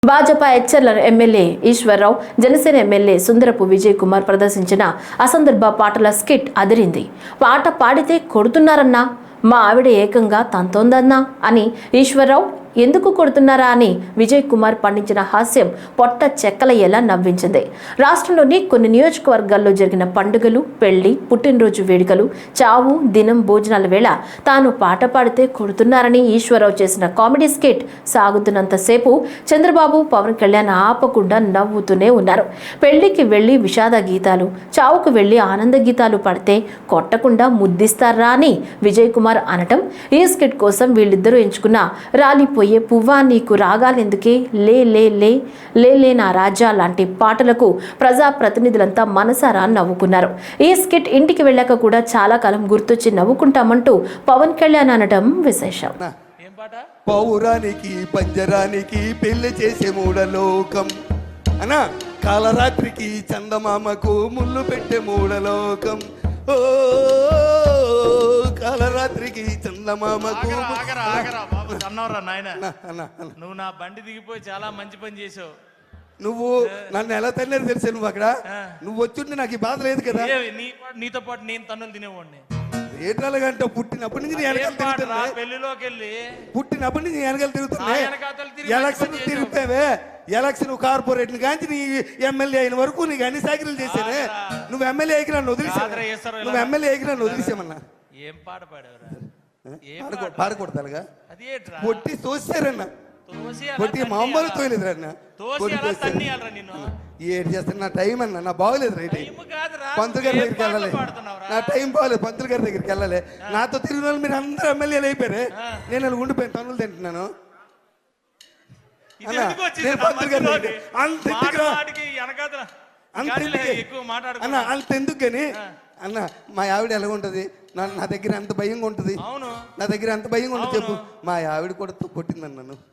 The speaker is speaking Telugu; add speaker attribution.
Speaker 1: భాజపా హెచ్చర్ల ఎమ్మెల్యే ఈశ్వర్రావు, జనసేన ఎమ్మెల్యే సుందరపు విజయ్ కుమార్ ప్రదర్శించిన అసందర్భ పాటల స్కిట్ అదిరింది. పాట పాడితే కొడుతున్నారన్నా, మా ఆవిడ ఏకంగా తంతోందన్నా అని ఈశ్వర్రావు ఎందుకు కొడుతున్నారా అని విజయ్ కుమార్ పండించిన హాస్యం పొట్ట చెక్కలయ్యేలా నవ్వించింది. రాష్ట్రంలోని కొన్ని నియోజకవర్గాల్లో జరిగిన పండుగలు, పెళ్లి, పుట్టినరోజు వేడుకలు, చావు, దినం, భోజనాల వేళ తాను పాట పాడితే కొడుతున్నారని ఈశ్వరరావు చేసిన కామెడీ స్కిట్ సాగుతున్నంతసేపు చంద్రబాబు, పవన్ కళ్యాణ్ ఆపకుండా నవ్వుతూనే ఉన్నారు. పెళ్లికి వెళ్లి విషాద గీతాలు, చావుకు వెళ్లి ఆనంద గీతాలు పాడితే కొట్టకుండా ముద్దిస్తారా అని విజయ్ కుమార్ అనటం, ఈ స్కిట్ కోసం వీళ్ళిద్దరూ ఎంచుకున్న రాలిపోయే పువ్వా నీకు రాగాలెందుకే, లే లే లే లే లే నా రాజా లాంటి పాటలకు ప్రజాప్రతినిధులంతా మనసారా నవ్వుకున్నారు. ఈ స్కిట్ ఇంటికి వెళ్ళాక కూడా చాలా కాలం గుర్తొచ్చి నవ్వుకుంటామంటూ పవన్ కళ్యాణ్ అనడం విశేషం.
Speaker 2: పౌరానికి పంజరానికి పెళ్లి చేసే మూడలోకం అనా, కాలరాత్రికి చందమామకు ముళ్ళు పెట్టే మూడలోకం. ఓ కాలరాత్రికి చందమామకు.
Speaker 3: నువ్వు నా బండి దిగిపోయి చాలా మంచి పని చేసావు.
Speaker 2: నువ్వు నన్ను ఎలా తల్లేదు తెలిసా? నువ్వు అక్కడ నువ్వు వచ్చుంటే నాకు ఈ బాధ లేదు కదా.
Speaker 3: నీతో పాటు నేను తన్నులు తినేవాడిని.
Speaker 2: ఏటాలుగంట పుట్టినప్పటి నుంచి
Speaker 3: పెళ్లిలోకి వెళ్ళి
Speaker 2: పుట్టినప్పటి నుంచి వెనకాల తిరుగుతున్నాయి. ఎలక్షన్ తిరుగుతావే, ఎలక్షన్ కార్పొరేట్ కాంచి నీ ఎమ్మెల్యే అయిన వరకు నీకు అన్ని సాకిరీలు చేశానే. నువ్వు ఎమ్మెల్యే అయికి నన్ను వదిలేసా, నువ్వు ఎమ్మెల్యే అయికి నన్ను వదిలేసామన్నా.
Speaker 3: ఏం పాట పాడేవరా?
Speaker 2: పాడకూడతాలుగా పొట్టి తోసారన్న, పొట్టి మామూలు తోయలేదురన్న. ఏడు చేస్తాను, నా టైం అన్న, నా బాగోలేదు. రైట్ పంతులు గారి దగ్గరికి వెళ్ళాలి, నా టైం బాగోలేదు. పంతులు గారి దగ్గరికి వెళ్ళాలి. నాతో తిరిగిన వాళ్ళు మీరు అందరూ ఎమ్మెల్యేలు అయిపోయారు, నేను అలా ఉండిపోయాను, తనులు తింటున్నాను. అంతెందుకు కానీ అన్న, మా ఆవిడ ఎలా ఉంటది, నా దగ్గర ఎంత భయంగా ఉంటది, నా దగ్గర ఎంత భయంగా ఉంటుంది చెప్పు. మా ఆవిడ కూడా కొట్టిందన్న నన్ను.